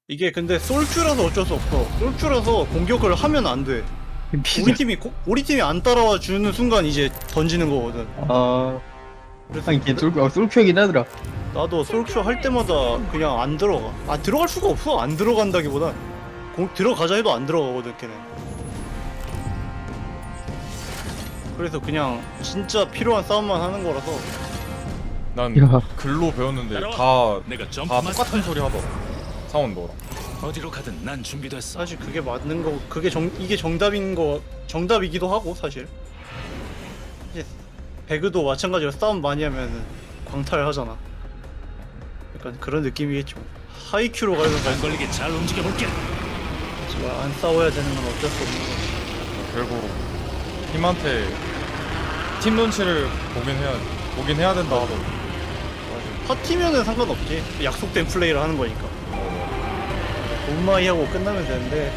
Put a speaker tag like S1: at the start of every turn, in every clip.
S1: 이게 근데 솔큐라서 어쩔 수 없어. 솔큐라서 공격을 하면 안 돼. 우리 팀이 안 따라와 주는 순간 이제 던지는 거거든.
S2: 아,
S1: 그래서
S2: 이게 솔큐이긴 하더라.
S1: 나도 솔큐 할 때마다 그냥 안 들어가. 아 들어갈 수가 없어. 안 들어간다기보단 들어가자 해도 안 들어가거든 걔는. 그래서 그냥 진짜 필요한 싸움만 하는 거라서.
S3: 난
S2: 야.
S3: 글로 배웠는데
S4: 내가
S3: 다
S4: 점프
S3: 똑같은 소리 하더라. 사원도랑.
S4: 어디로 가든 난 준비됐어.
S1: 사실 그게 맞는 거, 이게 정답이기도 하고 사실. 이제 배그도 마찬가지로 싸움 많이 하면 광탈하잖아. 약간 그런 느낌이겠죠. 하이큐로 가려면
S4: 안 걸리게 잘 움직여 볼게.
S1: 안 싸워야 되는 건 어쩔 수 없는 거지.
S3: 결국 팀한테 팀 눈치를 보긴 해야 된다 하더라고.
S1: 파티면은 상관없지. 약속된 플레이를 하는 거니까. 돈마이 하고 끝나면 되는데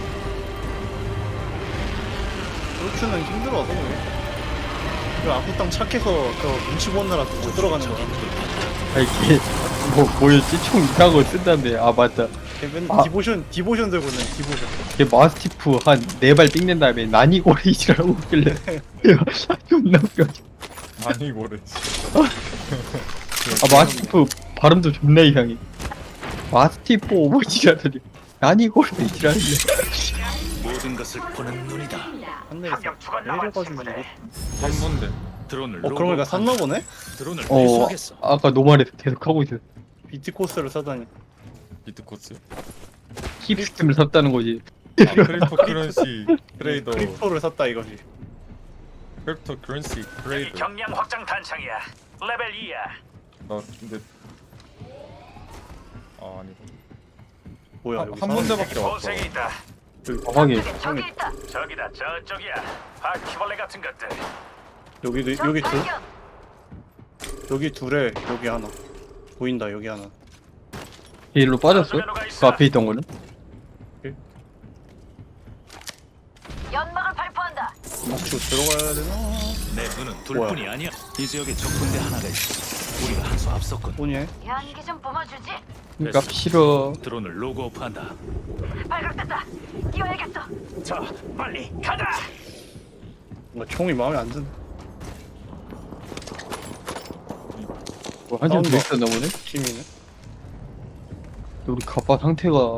S1: 그렇게는 힘들어서 그게. 그 아구땅 착해서 그 눈치 보느라 못 들어가는 거야.
S2: 아, 이게 뭐였지? 총 이상한 거 쓴다는데. 아, 맞다.
S1: 걔는
S2: 아.
S1: 디보션 들고 있는 디보션.
S2: 이게 마스티프 한 4발 삥낸 다음에 난이고레이지라고 웃길래. 야, 존나 웃겨.
S3: 아니 모르지.
S2: 아, 마스티프 발음도 존나 이상해. 마스티프 오버워치라더니 난이고레이지라는데.
S4: 모든 것을 보는 눈이다.
S1: 한내에서 내려가지고 이게.
S3: 3분대.
S4: 드론을
S1: 그런 거니까 샀나 보네?
S4: 드론을
S2: 어,
S4: 회수하겠어.
S2: 아까 노말에서 계속 하고 있어.
S1: 비트 코스를 사다니.
S3: 비트코스.
S2: 힙스템을 샀다는 거지.
S3: 아, 크립토 커런시 트레이더.
S1: 크립토를 샀다 이거지.
S3: 크립토 커런시
S5: 여기
S3: 트레이더.
S5: 경량 확장 탄창이야. 레벨 2야.
S3: 나 근데 아니.
S1: 뭐야
S3: 한
S1: 여기
S3: 군데밖에 왔어.
S5: 보색이 있다.
S2: 확인.
S6: 저기 있다.
S5: 저기다 저쪽이야. 바퀴벌레 같은 것들.
S1: 여기 둘에 여기 하나 보인다. 여기 하나.
S2: 일로 빠졌어? 그 앞에 있던 거는?
S6: 연막을 발포한다.
S1: 막치고 들어가야 되나?
S4: 내 눈은 둘뿐이 아니야. 이 지역에 적군대 하나가 있어. 우리가 한 수 앞섰군.
S1: 뭐냐?
S6: 연기 좀 뿜어주지.
S2: 그니까 싫어.
S4: 드론을 로그오프한다.
S6: 발각됐다. 뛰어야겠어.
S5: 저 빨리 가자.
S1: 뭔가 총이 마음에 안 드네.
S2: 뭐 한참 더
S1: 싸운다.
S2: 있었나 보네?
S1: 팀이네.
S2: 우리 가빠 상태가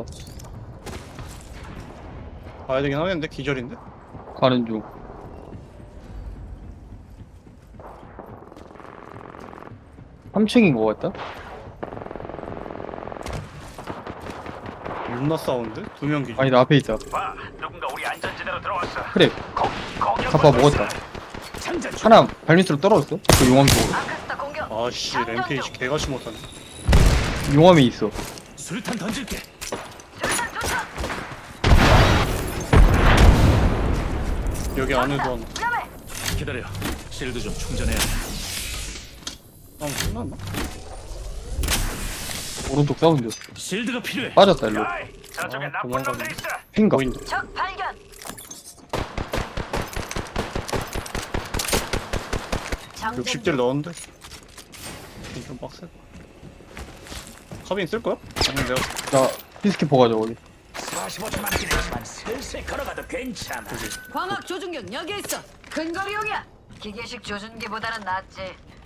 S1: 가야 되긴 하겠는데 기절인데?
S2: 가는 중. 삼층인 것 같다?
S1: 윤나 사운드? 두 명 기절.
S2: 아니 나 앞에 있다.
S5: 봐, 누군가 우리 안전지대로 들어왔어.
S2: 그래,
S5: 공격.
S2: 가빠 먹었다.
S5: 장전 중.
S2: 하나 발밑으로 떨어졌어. 그 용암 쪽으로.
S6: 아크스타 공격.
S1: 아씨 램페이지 개같이 못하네.
S2: 용암에 있어.
S4: 수류탄 던질게.
S6: 수류탄 투척.
S1: 여기 안에도 하나.
S6: 위험해.
S4: 기다려. 실드 좀 충전해야 돼.
S1: 끝났나?
S2: 오른쪽 사운드.
S4: 실드가 필요해.
S2: 빠졌다 일로.
S5: 야이, 저쪽에
S1: 아,
S5: 나쁜
S1: 도망가네.
S5: 놈들 있어.
S2: 핑가.
S1: 보인다.
S6: 적 발견. 장전
S1: 60딜 넣었는데? 좀 빡세. 카빈 쓸 거야? 아니면 내가
S2: 나 피스키퍼 가져 거기.
S5: 45초 남긴 했지만 슬슬 걸어가도 괜찮아.
S6: 광학 조준경 여기 있어. 근거리용이야. 기계식 조준기보다는 낫지.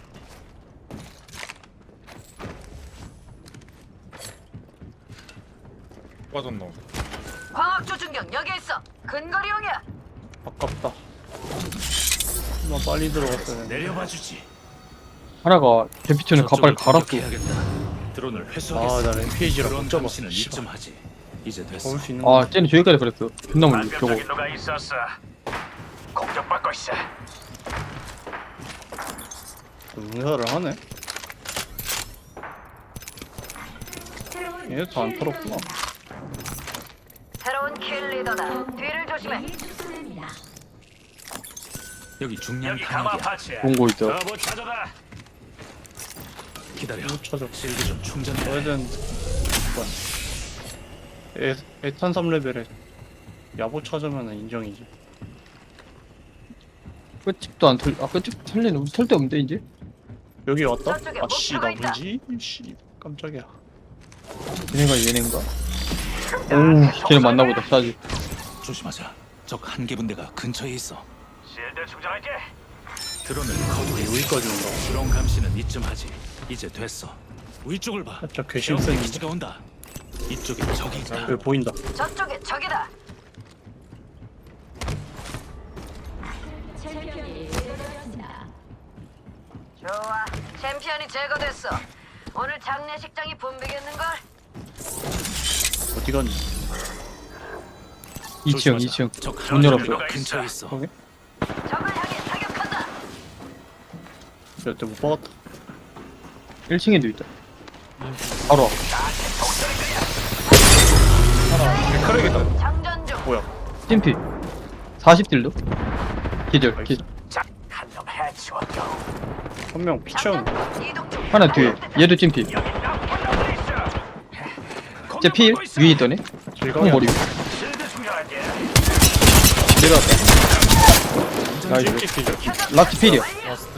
S3: 빠졌나?
S6: 광학 조준경 여기 있어. 근거리용이야.
S1: 아깝다. 나 빨리 들어갔어야 되는데.
S4: 내려봐 주지.
S2: 하나가 대피처는 가빠를 갈았어.
S4: 공격해야겠다. 드론을 회수하겠어.
S1: 아나 램페이지라
S4: 드론
S1: 못 잡았어.
S4: 감시는 이쯤 하지. 이제 됐어.
S1: 먹을 수 있는
S2: 아 쟤는 저기까지 그랬어. 존나 멀리 저거.
S5: 반격적인 누가 있었어. 공격받고 있어.
S1: 응사를 하네? 얘도 안 털었구나.
S6: 새로운 킬 리더다. 뒤를 조심해.
S4: 여기 중량
S5: 여기 가마
S4: 탄약이야.
S5: 파츠야.
S2: 좋은 거 있다.
S5: 러브 찾아다.
S4: 기다려.
S1: 못 찾아.
S4: 실드 좀 충전해.
S1: 넣어야 되는데. 에탄 3레벨에 야보 찾으면 인정이지.
S2: 끝집도 안 털. 아 끝집 털리네. 우리 털데 없는데 이제.
S1: 여기 왔다?
S6: 저쪽에
S1: 아씨 나
S6: 목표가 있다.
S1: 뭐지? 씨 깜짝이야.
S2: 얘네가 얘네인가? 오, 쟤는 맞나보다 싸지.
S4: 조심하자. 적 한 개 분대가 근처에 있어.
S5: 실드 충전할게.
S4: 드론을 거두게.
S1: 여기까지 온다고.
S4: 드론 감시는 이쯤 하지. 이제 됐어. 위쪽을 봐.
S1: 살짝 괘씸했는데.
S4: 기지가 온다. 이쪽에 적이 있다.
S1: 여기 보인다.
S6: 저쪽에 적이다. 좋아, 챔피언이 제거됐어. 오늘 장례식장이 붐비겠는걸?
S1: 어디 갔니?
S2: 2층,
S4: 조심하자.
S2: 2층.
S4: 적
S2: 문 열었어.
S4: 명이 근처에 있어.
S1: 거기?
S6: 적을 향해 사격한다.
S1: 여태 못 박았다.
S2: 1층에도 있다. 바로 앞.
S1: 크랙이다.
S6: 장전 중.
S1: 뭐야?
S2: 찜피. 40딜도? 기절, 기절.
S5: 한놈 해치웠고.
S1: 한 명 피치형.
S6: 장전 이동 중.
S2: 하나 뒤에. 얘도 찜피.
S5: 여기 나쁜 놈들 있어.
S2: 쟤 필? 위에 있더네?
S1: 길가게.
S2: 형 머리.
S5: 실드 충전할게.
S2: 내려왔다. 나이스.
S1: 찍찍 기절.
S2: 라스트 필이야.
S3: 라스트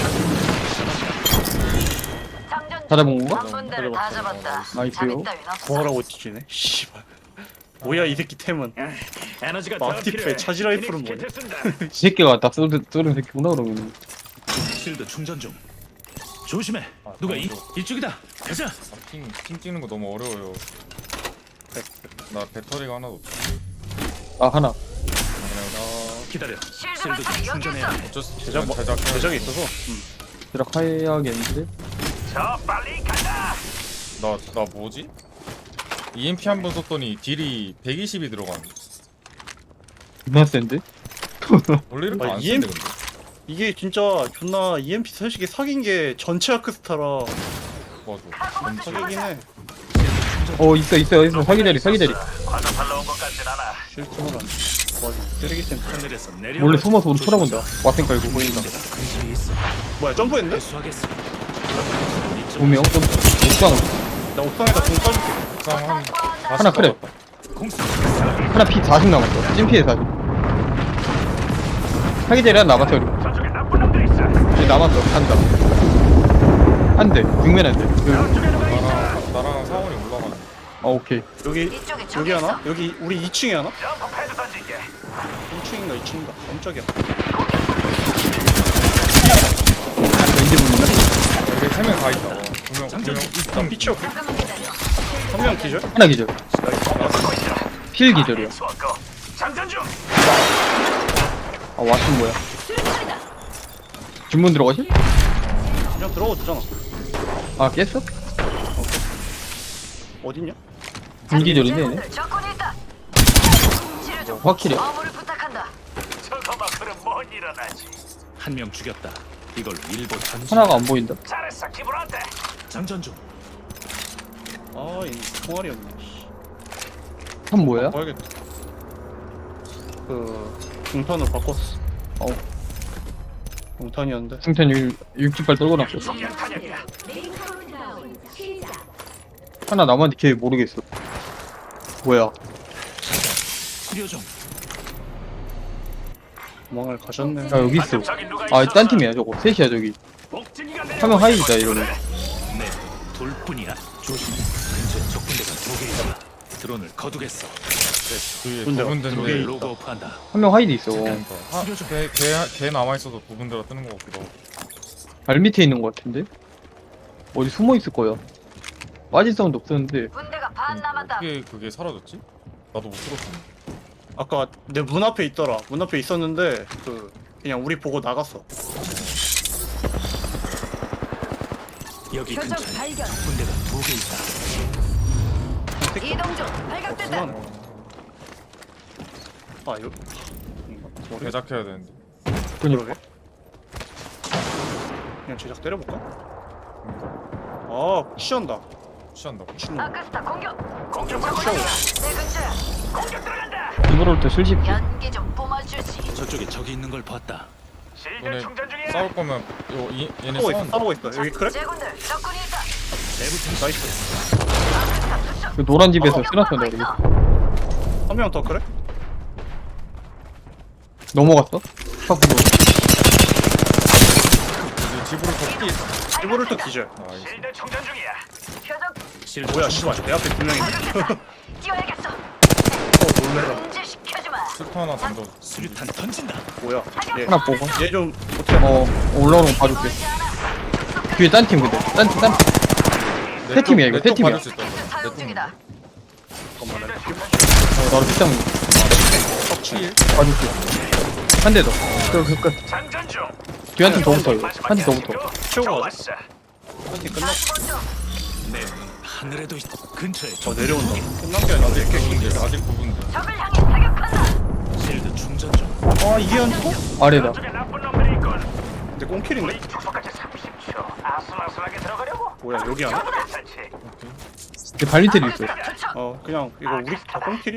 S6: 장전
S2: 다 잡은 건가?
S6: 한 분대를 다 잡았다.
S2: 나이스요.
S6: 자리 따윈 없어.
S1: 구하라고 뒤지네. 씨발. 뭐야 이 새끼 템은.
S5: 에너지가
S1: 마티프의 차지 라이플은 뭐냐?
S2: 이 새끼가 다 쏘는 새끼구나, 그러면.
S4: 실드 충전 중. 조심해. 누가 이쪽이다. 가자.
S3: 핑 찍는 거 너무 어려워요. 나 배터리가 하나도 없어.
S2: 아, 하나.
S3: 그냥
S4: 기다려.
S6: 실드
S4: 실드
S6: 발사기 여기
S4: 충전해야
S6: 있어.
S4: 돼.
S3: 어쩔 수 없이
S1: 제작
S3: 제작
S1: 제작이 있어서.
S2: 드락해야겠는데?
S5: 저 빨리 간다.
S3: 나 뭐지? EMP 한 번 썼더니 딜이 120이 들어가네.
S2: 존나 센데?
S3: 원래 이렇게
S1: 아,
S3: 안
S1: EMP
S3: 쓰는데 근데.
S1: 이게 진짜 존나 EMP 솔직히 사귄 게 전체 아크스타라
S3: 맞아.
S1: 사기긴 해.
S2: 있어. 사기 자리.
S5: 과자팔러 온 것 같진 않아.
S1: 실수는 안 돼. 맞아. 쓰레기 센터.
S4: 하늘에서 내려.
S2: 몰래 숨어서 우리 쳐다본다. 와생 깔고 보인다.
S4: 근처에 있어.
S1: 뭐야 점프했네?
S4: 수하겠어.
S2: 조명 좀 옥상
S1: 나 옥상에다 공 쏴줄게.
S3: 옥상 한
S2: 하나 그래.
S4: 공수.
S2: 하나 피 40 남았어. 찜피에 40. 사기 자리 하나 남았어. 그리고
S5: 저쪽에 나쁜 놈들 있어.
S2: 이제 남았어. 한다. 안 돼. 육면 안 돼. 여기.
S5: 저쪽에 누가 있어.
S3: 나랑 사원이 올라가네.
S2: 아, 오케이.
S1: 여기
S6: 이쪽에 적이
S1: 여기 하나?
S6: 있어.
S1: 여기 우리 2층에 하나?
S5: 점프 패드 던질게.
S1: 1층인가 2층인가? 깜짝이야.
S2: 왠지 모른다.
S3: 여기 3명 다 있다. 두명
S1: 일단 피치어
S6: 잠깐만 기다려.
S1: 한명 기절?
S2: 하나 기절. 필 기절이야.
S5: 해치웠고. 장전 중.
S2: 아, 왓슨 뭐야?
S6: 수류탄이다.
S2: 주문 들어가실?
S1: 그냥 들어가도 되잖아.
S2: 아, 깼어?
S1: 어딨냐?
S2: 불기절이네, 얘네.
S6: 제군들 적군이 있다. 치료 중.
S2: 확실해.
S6: 어무를 부탁한다.
S5: 저거 막으면 못 일어나지.
S4: 한 명 죽였다. 이걸 일본 전진.
S2: 하나가 안 보인다.
S5: 잘했어. 기분 어때?
S4: 장전 중.
S1: 아, 이 총알이었네. 씨.
S2: 한 뭐야?
S1: 봐야겠다. 그 중탄으로 바꿨어.
S2: 어우.
S1: 중탄이었는데.
S2: 승탄 60발 떨궈놨어.
S5: 성냥 탄약이야.
S2: 하나 남았는데 걔 모르겠어. 뭐야?
S4: 치료 중.
S1: 도망을 가셨네.
S2: 야, 여기 있어.
S5: 저기 누가
S2: 아,
S5: 있어?
S2: 딴 팀이야, 저거. 셋이야, 저기.
S5: 복진이가 내려.
S2: 화면 하이드다, 이러면.
S4: 네, 둘뿐이야. 조심해. 근처에 적군대가 2개 있다. 드론을 거두겠어. 됐어.
S3: 주위에
S1: 군대가
S3: 두
S1: 두
S3: 군데인데
S1: 개.
S4: 드론을 로그오프한다.
S2: 한 명 하이드 있어.
S3: 걔 남아있어도 두 군데가 뜨는 것 같기도 하고.
S2: 발 밑에 있는 것 같은데? 어디 숨어 있을 거야. 빠질 사운드 없었는데.
S6: 군대가 반 남았다.
S3: 어떻게 그게 사라졌지? 나도 못 들었어.
S1: 아까 내 문 앞에 있더라. 문 앞에 있었는데 그 그냥 우리 보고 나갔어.
S4: 여기
S6: 표적
S4: 근처에
S6: 발견.
S4: 적군대가 2개 있다.
S6: 이동 중. 발각됐다.
S1: 그만해. 아 이거 모르겠.
S3: 제작해야 되는데.
S1: 그러게. 그냥 제작 때려볼까? 아 취한다.
S3: 취한다고.
S1: 미친놈.
S6: 아크스타 공격.
S5: 공격
S6: 적군이야. 내 근처야.
S5: 공격 들어간다.
S2: 이거로부터 실십.
S6: 연기 좀 뿜어주지.
S4: 저쪽에 적이 있는 걸 봤다.
S5: 실드
S3: 너네
S5: 충전 중이야.
S3: 싸울 거면 얘네
S1: 싸우고 있어.
S3: 싸운다.
S1: 싸우고 있어. 여기 그래?
S6: 제군들 적군이 있다.
S4: 내부
S1: 나이스.
S6: 아크스타 투척.
S2: 그 노란 집에서 쓰놨어,
S6: 공격받고
S2: 우리.
S6: 있어.
S1: 한 명 더 그래?
S2: 넘어갔어? 파쿠로.
S3: 이제 집으로 더 뛰.
S1: 일부를 또 기절.
S3: 나이스.
S5: 실드 충전 중이야.
S6: 표적
S4: 실드
S1: 뭐야
S4: 충전
S1: 씨발 내 앞에 두 명이.
S6: 뛰어야겠어. 금지시켜주마.
S3: 스타 하나 던져.
S4: 수류탄 던진다.
S1: 뭐야?
S2: 하나 보고.
S1: 얘 좀 어떻게?
S2: 올라오는 거 봐줄게. 뒤에 딴 팀 근데. 딴 팀. 세 팀이야, 이거. 세 팀이야.
S6: 사용 중이다.
S2: 나도 빗장 봐줄게. 한 대 더. 끝.
S5: 장전 중.
S2: 뒤에 한 팀 더 붙어, 이거. 한 팀 더 붙어.
S1: 치우고 가자.
S5: 좋았어.
S1: 한팀 끝났어.
S4: 내 눈 하늘에도 있. 근처에 적
S1: 내려온다. 끝난 게 아니야.
S3: 아직 9분대. 아직 9분대.
S6: 적을 향해 사격한다.
S4: 실드 충전 중.
S1: 아 이게 안 죽어?
S2: 아래다.
S5: 저쪽에 나쁜 놈들이 있군.
S1: 근데 꽁킬인데?
S5: 우리 축소까지 30초. 아슬아슬하게 들어가려고.
S1: 뭐야 여기 안에?
S5: 적이다. 설치.
S2: 뒤에 발밑에도 있어.
S1: 그냥 이거 우리 다 꽁킬이?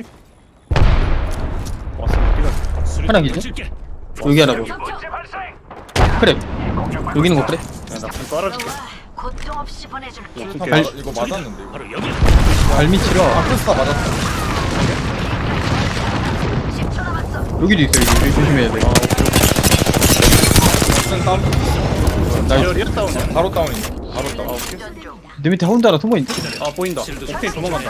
S1: 왔어 여기가.
S2: 하나 기지?
S4: 던질게.
S2: 여기 하나 더.
S5: 문제 발생.
S2: 그래. 여기 있는 거 그래?
S1: 나불 깔아줄게.
S6: 고통 없이 보내줄게.
S3: 수류탄
S2: 발-
S3: 이거 맞았는데 이거.
S4: 바로 여기.
S2: 발밑이라.
S3: 아크스타 맞았다.
S6: 10초 남았어.
S2: 여기도 있어, 여기. 조심해야 돼.
S3: 무슨 다운?
S2: 나이스.
S1: 리얼이야 다운이야?
S3: 바로 다운이네. 바로 다운.
S6: 충전 중.
S2: 내 밑에 하운드 하나 숨어있는데?
S1: 아 보인다. 오케이 도망간다.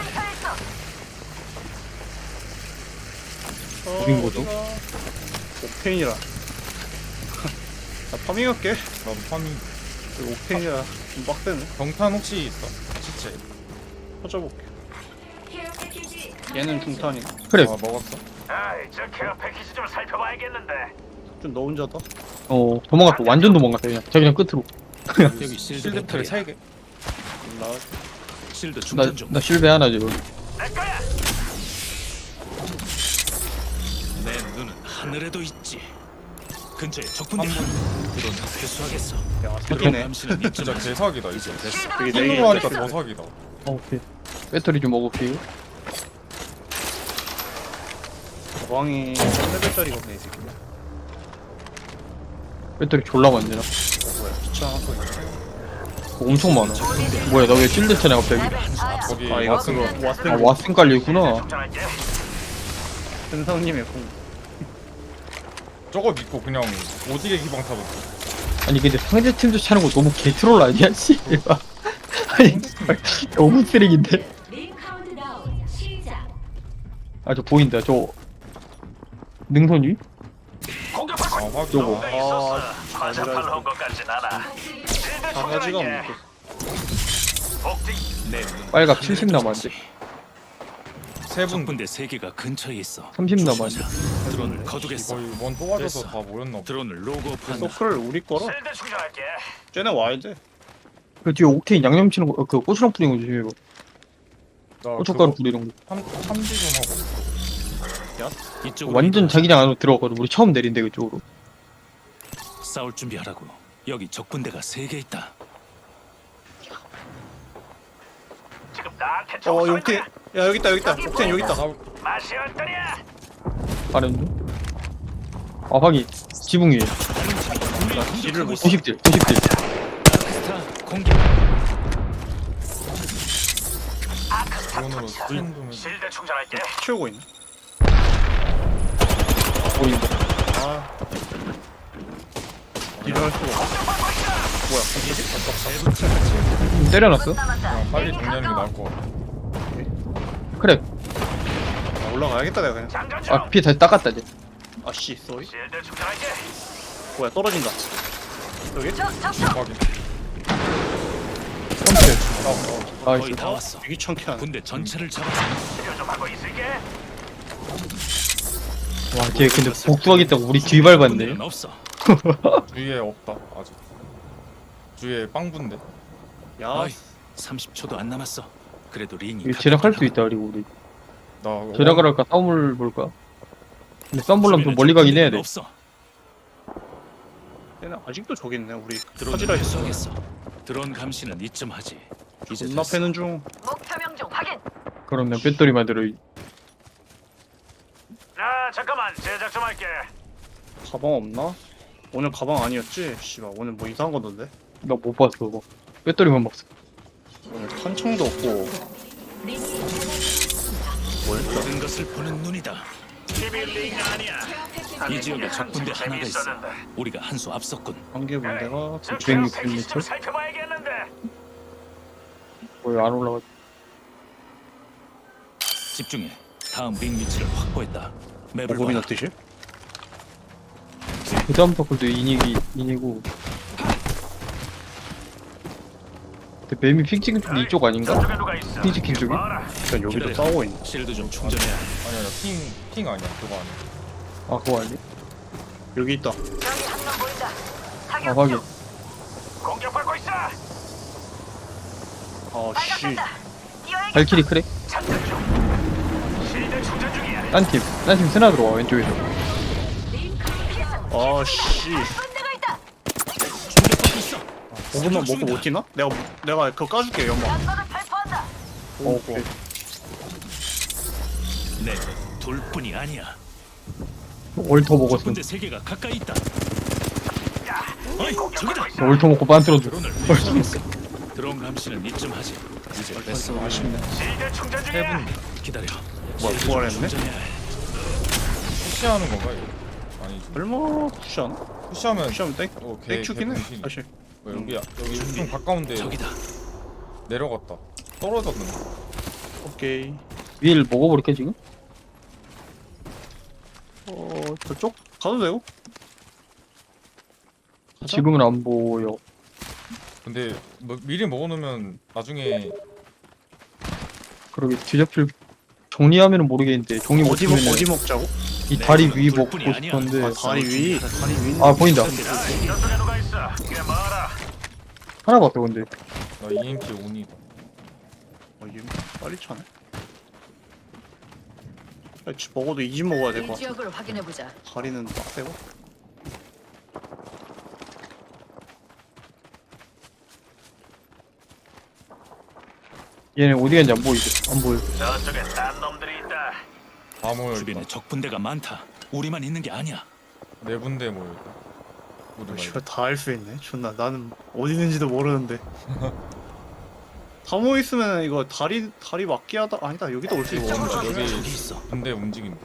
S2: 어딘 거죠?
S1: 옥테인이라. 나 파밍할게.
S3: 나도 파밍.
S1: 옥테인이라 좀 빡세네.
S3: 경탄 혹시 있어? 시체.
S1: 터져볼게. 얘는 중탄이.
S2: 그래.
S3: 아 먹었어?
S5: 아이, 저 케어 패키지 좀 살펴봐야겠는데.
S1: 좀 너 혼자다.
S2: 도망갔어. 완전 도망갔어, 그냥. 자기장 끝으로.
S4: 여기 실드
S3: 실드 트레
S4: 배터리.
S3: 3개.
S1: 나
S4: 실드
S2: 나,
S4: 충전 중.
S2: 나 실베 하나 지금.
S5: 내 거야.
S4: 내 눈은 하늘에도 있지. 근처에 적군대. 드론 회수하겠어.
S1: 야 사기네.
S4: 감시는
S3: 진짜
S4: 입증하지.
S3: 개사기다 이거.
S4: 이제 됐어.
S1: 여기
S3: 핑으로 하니까
S1: 네
S3: 더 사기다.
S2: 오케이. 배터리 좀 먹을게요.
S1: 가방이 3레벨짜리거든 이 새끼.
S2: 배터리 졸라 많네. 나.
S1: 뭐야 귀찮아서 이거.
S2: 엄청 많아. 뭐야, 나 왜 실드 차냐, 갑자기?
S3: 거기
S1: 아 이거
S3: 왓슨
S1: 그거
S3: 거.
S1: 왓슨
S2: 아, 왓슨 깔려있구나.
S5: 충전할게.
S1: 현상님의 공.
S3: 저거 믿고 그냥 오지게 기방 타고.
S2: 아니, 근데 상대 팀도 차는 거 너무 개트롤 아니야, 씨? 아니, 너무 쓰레기인데?
S6: 링 카운트다운 시작.
S2: 아, 저 보인다. 저 능선 위?
S5: 공격받고
S3: 아 확인.
S2: 요거.
S5: 있- 있었어.
S1: 아,
S5: 과자팔로 온 것 같진 않아. 실드
S1: 바가지가
S5: 충전할게.
S1: 없네.
S5: 복지.
S4: 내 눈은
S2: 빨갑
S4: 하늘에도
S2: 70 남았는데.
S4: 있지.
S3: 세 분.
S4: 적군대 3개가 근처에 있어.
S2: 30
S4: 조심하자.
S2: 남았네.
S4: 드론을 거두겠어.
S3: 거의 원 뽑아줘서
S4: 됐어.
S3: 다 모였나 보다.
S4: 드론을 로그업한다.
S1: 서클 우리 거라.
S5: 실드 충전할게.
S1: 쟤네 와야 돼.
S2: 그 뒤에 옥테인 양념 치는 거, 그 고추장 뿌리는 거 조심해봐.
S3: 나
S2: 고춧가루
S3: 그거
S2: 뿌리는 거.
S3: 탐지 좀 하고.
S4: 이쪽으로
S2: 완전
S4: 이동하자.
S2: 자기장 안으로 들어가거든. 우리 처음 내린데, 그쪽으로.
S4: 싸울 준비하라고. 여기 적군대가 3개 있다.
S5: 지금 나한테
S1: 어
S5: 총
S1: 여기 옥테인. 야 여기 있다 여기 있다. 옥테인 여기 있다.
S5: 맛이 어떠냐?
S2: 아래는? 아, 확인. 지붕 위에.
S1: 뒤를 못
S2: 90딜, 90딜.
S4: 스타 공격.
S3: 드론으로 스캔 좀 해.
S5: 실드 충전할게.
S1: 치우고 있네.
S2: 보인다.
S1: 아. 뒤를 할 수가 없어.
S2: 좀 때려놨어?
S3: 그냥 빨리 정리하는 게 나을 것 같아.
S2: 그래.
S1: 아, 올라가야겠다 내가 그냥.
S5: 장전 중.
S2: 아, 피해 다시 닦았다, 이제.
S1: 아씨 쏘리.
S5: 실드 충전할게.
S1: 뭐야 떨어진다. 여기?
S3: 확인.
S2: 아,
S4: 거의 다 왔어.
S1: 되게 귀찮게 하네.
S4: 군대 전체를 잡았어.
S5: 치료 좀 하고 있을게.
S2: 와, 걔 근데 복수하겠다고 우리 뒤 밟았네.
S4: 군대는 없어.
S3: 주위에 없다 아직. 주위에 빵분데.
S1: 야
S4: 어이, 30초도 안 남았어. 그래도 링이
S2: 이거 제작할 수 있다, 그리고 우리.
S3: 나
S2: 제작을 할까? 싸움을 볼까? 근데 싸움 보려면 좀 멀리 가긴 해야 돼.
S4: 없어.
S1: 얘네 아직도 저기 있네 우리.
S4: 드론
S1: 터지라 했어.
S4: 회수하겠어. 드론 감시는 이쯤 하지. 이제
S1: 존나
S4: 됐어.
S1: 패는 중.
S6: 목표 명중 확인.
S2: 그럼 난 배터리만 들어.
S5: 아 잠깐만 제작 좀 할게.
S1: 가방 없나? 오늘 가방 아니었지? 씨발 오늘 뭐 이상한 거던데?
S2: 나 못 봤어, 뭐. 배터리만 봤어.
S1: 오늘 탄창도 없고
S4: 모든 것을 보는 눈이다.
S5: 비밀링 아니야.
S4: 이 지역에 적군대 하나가 있어.
S5: 재미있었는데.
S4: 우리가 한 수 앞섰군.
S1: 한개 문제가
S5: 저
S2: 960
S5: 케어 패키지 좀
S2: m?
S5: 살펴봐야겠는데.
S2: 뭐야, 안 올라가.
S4: 집중해. 다음 링 위치를 확보했다. 맵을
S1: 모범이나
S4: 봐.
S1: 뜻이?
S2: 그 다음 터클도 인이고. 근데 뱀이 픽 찍은 쪽이 이쪽 아닌가? 픽 찍힌 쪽이?
S1: 일단 여기도
S4: 기다려.
S1: 싸우고 있네.
S4: 실드 좀 충전해야 해.
S3: 아니야 핑 아니야 그거 아니야.
S2: 아 그거 아니?
S1: 여기 있다.
S6: 저기 한 명 보인다.
S2: 아
S6: 사격
S2: 확인.
S6: 중.
S5: 공격받고 있어.
S1: 아씨.
S6: 발각됐다. 뛰어야겠다.
S2: 발키리 크랙?
S5: 장전 중. 실드 충전 중이야.
S2: 딴팀 스나 들어와 왼쪽에서.
S1: 아씨.
S6: 군대가 있다.
S4: 충격받고 있어.
S1: 5분만 먹고 못 뛰나? 내가 그거 까줄게 연막.
S6: 연막을 발포한다.
S1: 오케이.
S4: 네, 둘뿐이 아니야.
S2: 올터 먹었음.
S4: 군대 세 개가 가까이 있다. 어이, 저기다.
S2: 올터 먹고 빤트로
S4: 드론을 배치했어. 드론 감시는 이쯤 하지. 이제 뺐어.
S1: 아쉽네.
S5: 실드 충전 중이야.
S4: 기다려.
S1: 뭐야,
S4: 실드 좀
S1: 부활했네?
S4: 충전해야 해.
S3: 푸시하는 건가 이거? 아니지.
S1: 얼마 푸시하나?
S3: 푸시하면
S1: 푸시하면 땡?
S3: 오케이.
S1: 땡큐긴 해 사실.
S3: 여기 좀 가까운데
S4: 저기다.
S3: 내려갔다. 떨어졌는데.
S1: 오케이.
S2: 위를 먹어버릴게 지금?
S1: 저쪽 가도 되고. 가자.
S2: 지금은 안 보여.
S3: 근데 뭐 미리 먹어놓으면 나중에
S2: 그러게 뒤잡힐 정리하면은 모르겠는데 정리
S1: 어디
S2: 못하면
S1: 어디 먹자고?
S2: 이 다리 위 먹고
S4: 둘뿐이 아니야.
S2: 싶었는데
S1: 아 다리 위.
S2: 아 보인다.
S5: 이쪽에 누가 있어? 꽤 많아.
S2: 하나 봤어 근데
S3: 나 EMP 온이다.
S1: 얘 빨리 차네. 야, 먹어도 이 집 먹어야 될
S6: 이
S1: 것 같아.
S6: 지역을 확인해 보자.
S1: 다리는 빡세고.
S2: 얘네 어디 갔는지 안 보이지? 안 보여.
S5: 저쪽에 딴 놈들이 있다.
S3: 다 모여있다.
S4: 주변에 적 분대가 많다. 우리만 있는 게 아니야.
S3: 네 군데 모여있다. 우리 말고.
S1: 이거 다 할 수 있네. 존나 나는 어디 있는지도 모르는데. 다 모여 있으면 이거 다리 막기 하다 아니다 여기도 올 수 있어.
S3: 여기
S4: 저기 있어.
S3: 군대 움직인다.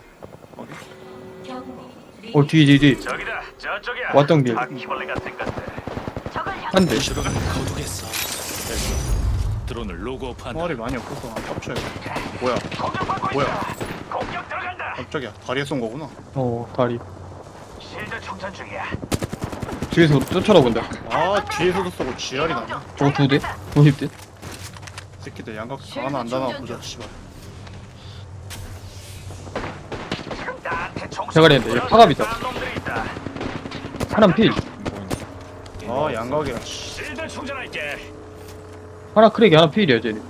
S2: 뒤
S5: 저기다. 저쪽이야.
S2: 왔던 길.
S5: 바퀴벌레 같은 것들.
S6: 적을 향.
S2: 한 대.
S4: 드론을 거두겠어. 됐어. 드론을 로그오프한다.
S1: 총알이 많이 없어서 안 깝쳐요. 뭐야?
S5: 공격받고
S1: 뭐야?
S5: 있어. 공격 들어간다.
S1: 깜짝이야. 다리에 쏜 거구나.
S2: 다리.
S5: 실드 충전 중이야.
S2: 뒤에서 쫓아다본다.
S1: 아 뒤에서도 쏘고 지랄이 나네.
S2: 저거 2대? 50대?
S1: 새끼들 양각 하나 안 다나 보자. 씨발.
S5: 나한테 총
S2: 대가리 했는데 얘 파갑이다.
S5: 딴 놈들이 있다.
S2: 하나 필.
S3: 보인다.
S1: 아 양각이야. 씨.
S5: 실드 충전할게.
S2: 하나 크랙이 하나 필이야 쟤네.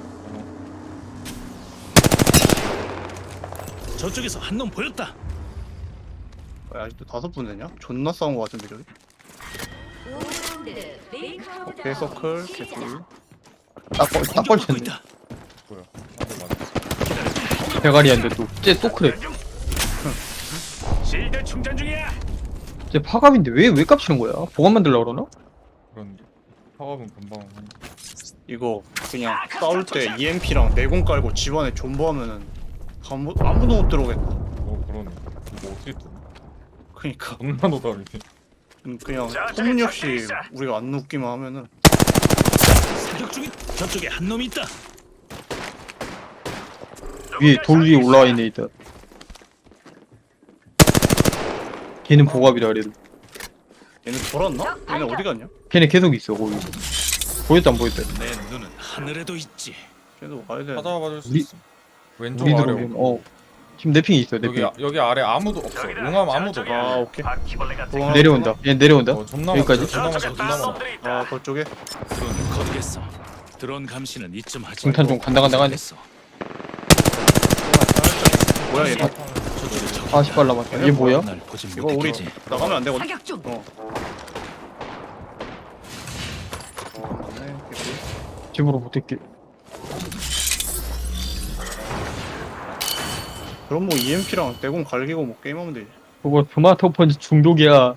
S4: 저쪽에서 한 놈 보였다.
S1: 야, 아직도 5분 되냐? 존나 싸운 거 같은데 저기. 오케이 서클 개꿀.
S2: 딱
S4: 공격받고
S2: 걸쳤네.
S4: 있다.
S3: 뭐야? 한대 맞았어.
S2: 대가리한테 쟤또 크랙.
S5: 실드 충전 중이야.
S2: 쟤 파갑인데 왜 깝치는 거야? 보관 만들려고 그러나?
S3: 그런데 파업은 금방 한.
S1: 이거 그냥 싸울 때 EMP랑 내공 깔고 집안에 존버하면은 아무도 못 들어오겠다.
S3: 그러네. 이거 어떻게 뜨나?
S1: 그니까
S3: 존나 노답이네.
S1: 그냥 소문없이 우리가 안 눕기만 하면은
S4: 사격 중인 저쪽에 한 놈이 있다.
S2: 위에 돌 위에 올라와 있네 있다. 걔는 보갑이라 그래도.
S1: 얘네 돌았나? 얘네 어디 갔냐?
S2: 걔네 계속 있어 거기. 보였다 안 보였다.
S4: 내 눈은 하늘에도 있지.
S1: 걔도 와야 돼.
S3: 찾아봐 줄 수
S2: 우리-
S3: 있어. 왼쪽
S2: 우리
S3: 아래.
S2: 들어오면 지금 내 핑이 있어 내 핑.
S3: 여기 아래 아무도 없어. 용암 아무도 없어.
S1: 아 오케이.
S5: 바퀴벌레 같은
S1: 어,
S2: 내려온다. 얘 내려온다.
S3: 존나
S2: 여기까지?
S3: 많다. 존나 많다.
S5: 저쪽에
S3: 존나
S5: 딴
S3: 많아.
S5: 놈들이 있다.
S1: 아 그쪽에
S4: 드론을 거두겠어. 드론 감시는 이쯤 하지.
S2: 중탄 좀 간당간당하네.
S4: 됐어.
S1: 뭐야 얘네?
S4: 저쪽에 적.
S2: 40발 남았다. 얘 뭐야?
S4: 날 보진
S1: 이거 우리
S4: 못했겠지.
S1: 나가면 안 되거든.
S6: 사격 중.
S1: 맞네. 개꿀.
S2: 집으로 못했게.
S1: 그럼 뭐 EMP랑 내공 갈기고 뭐 게임하면 되지.
S2: 그거 토마토 펀치 중독이야.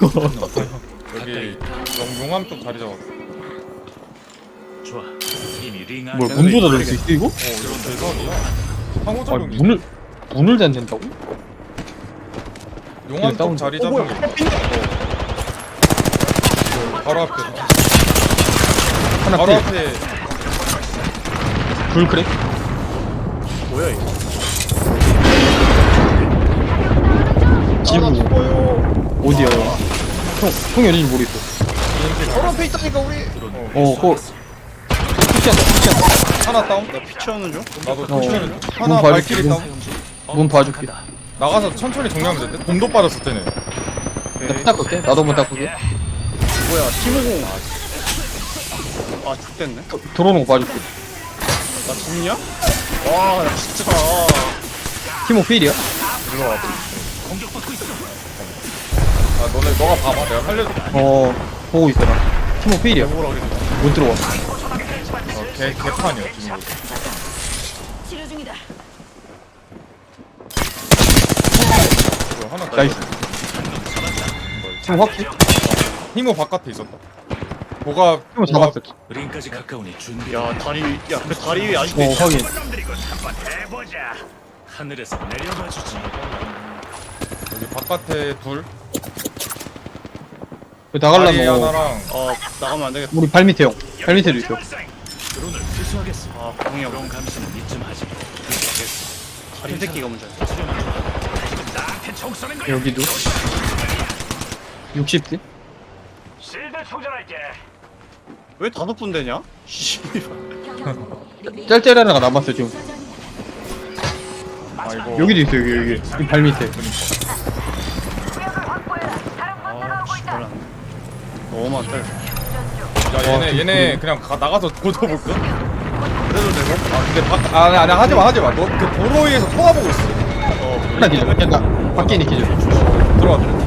S3: 여기 용암 쪽 자리 잡았어.
S4: 좋아. 이미 링 안에
S2: 뭘 문도 닫을 수 있어 이거?
S3: 이런 대박이야.
S2: 아
S3: 상호작용이.
S2: 문을 닫는다고?
S3: 용암 쪽
S2: 다운.
S3: 자리 잡은 게. 바로 앞에.
S2: 하나
S3: 바로
S2: 필.
S3: 앞에.
S2: 불 크랙?
S1: 뭐야 이거?
S2: 지붕
S1: 죽어요.
S2: 어디야? 형 어딘지 모르겠어.
S1: 바로 앞에 있다니까 우리.
S2: 그거 푸시한다.
S3: 하나 다운.
S1: 나 피 채우는 중.
S3: 나도
S2: 어.
S3: 천천히.
S2: 몸
S3: 하나
S2: 봐줄게,
S3: 발키리
S2: 몸.
S3: 다운.
S2: 몸 봐줄게.
S3: 나가서 천천히 정리하면 되는데. 곰도 빠졌을 때는.
S2: 나 닦을게. 나도 한번 닦을게.
S1: 뭐야 팀호공. 아 죽겠네.
S2: 들어오는 거 봐줄게.
S1: 나 죽냐? 와, 나 진짜.
S2: 티모 필이야?
S3: 일로 와. 아 너네 너가 봐봐. 내가 살려줄게.
S2: 보고 있어 나. 티모 필이야.
S1: 뭐라 그래.
S2: 못 들어와.
S3: 개판이야 지금.
S6: 치료 중이다.
S3: 이거 하나
S2: 나이스. 티모 확실?
S3: 히모 바깥에 있었다. 뭐가
S2: 티모 잡았어.
S4: 링까지 가까우니 준비.
S1: 야 다리, 야 그 다리 위에 아직도 있어.
S2: 확인.
S5: 해보자.
S4: 하늘에서 내려봐 주지.
S3: 여기 바깥에 둘.
S2: 그
S3: 다리
S2: 나가려면
S3: 하나랑
S1: 나가면 안 되겠다.
S2: 우리 발 밑에 형. 발 밑에도 있어.
S4: 드론을 회수하겠어.
S1: 아 공이 형.
S4: 드론 감시는 이쯤 하지. 됐어.
S1: 다리 새끼가 문제야.
S5: 나한테 총 쏘는 거.
S2: 여기도 60대?
S5: 실드 충전할게.
S1: 왜 다섯 분 되냐? 씨발.
S2: 짤짤 하나가 남았어 지금.
S3: 아이고.
S2: 여기도 있어 여기. 이 발 밑에.
S1: 아 씨발. 너무 많다.
S3: 야 얘네 그냥 나가서 고쳐볼까?
S1: 그래도 되고.
S3: 아 근데 아니 하지마. 너 그 도로 위에서 쳐다보고 있어.
S2: 하나 기절. 약간 밖에 있는 기절.
S3: 들어와.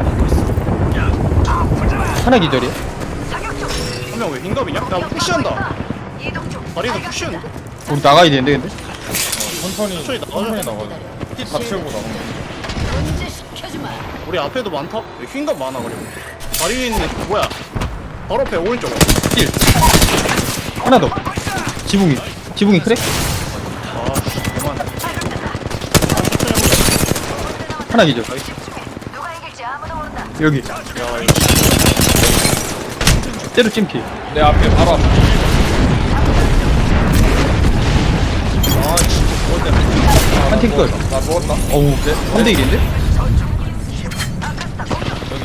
S2: 하나 기절이야?
S1: 한 명 왜 흰갑이냐? 야 푸시한다. 다리에서 푸시하는데?
S2: 우리 나가야 되는데 근데?
S3: 천천히
S1: 나가자.
S3: 나가자. 다 채우고 나가.
S6: 문제 시켜주마.
S1: 우리 앞에도 많다? 왜 흰갑 많아 그리고. 다리 위에 있는 애 뭐야? 바로 앞에 오른쪽.
S2: 힐. 하나 더. 지붕이 그래?
S1: 아 씨, 그만.
S2: 하나 기절.
S6: 누가 이길지 아무도 모른다.
S2: 여기.
S1: 야 이거.
S2: 때로 찜피.
S3: 내 앞에 바로 앞에.
S1: 아 진짜 그것 때문에.
S2: 한팀 끝.
S3: 나 누웠다.
S2: 어우, 3대 1인데?
S3: 여기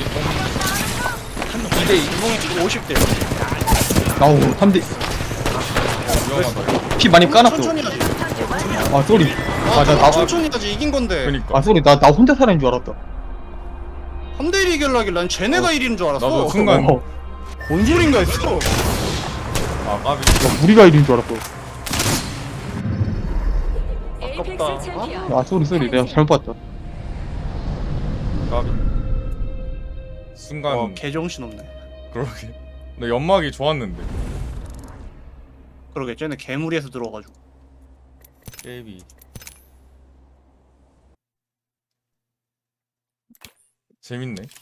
S1: 2대2 이봉이 50대.
S2: 아우, 3대.
S3: 위험하다.
S2: 피 많이 까놨어.
S1: 천천히 하지.
S2: 아, 쏘리. 나
S1: 천천히 하지 이긴 건데.
S3: 그니까.
S2: 아, 쏘리. 나 혼자 살아있는 줄 알았다.
S1: 3대1 이길라길 난 쟤네가 1위인 줄 알았어.
S3: 나도 순간
S1: 뭔 소린가 했어.
S3: 아 까비.
S2: 우리가 1인 줄 알았어.
S1: 아깝다.
S2: 아, 쏘리. 내가 잘못 봤다.
S3: 까비. 순간
S1: 개정신 없네.
S3: 그러게. 나 연막이 좋았는데.
S1: 그러게 쟤네 개무리에서 들어와가지고.
S3: 게이비. 재밌네.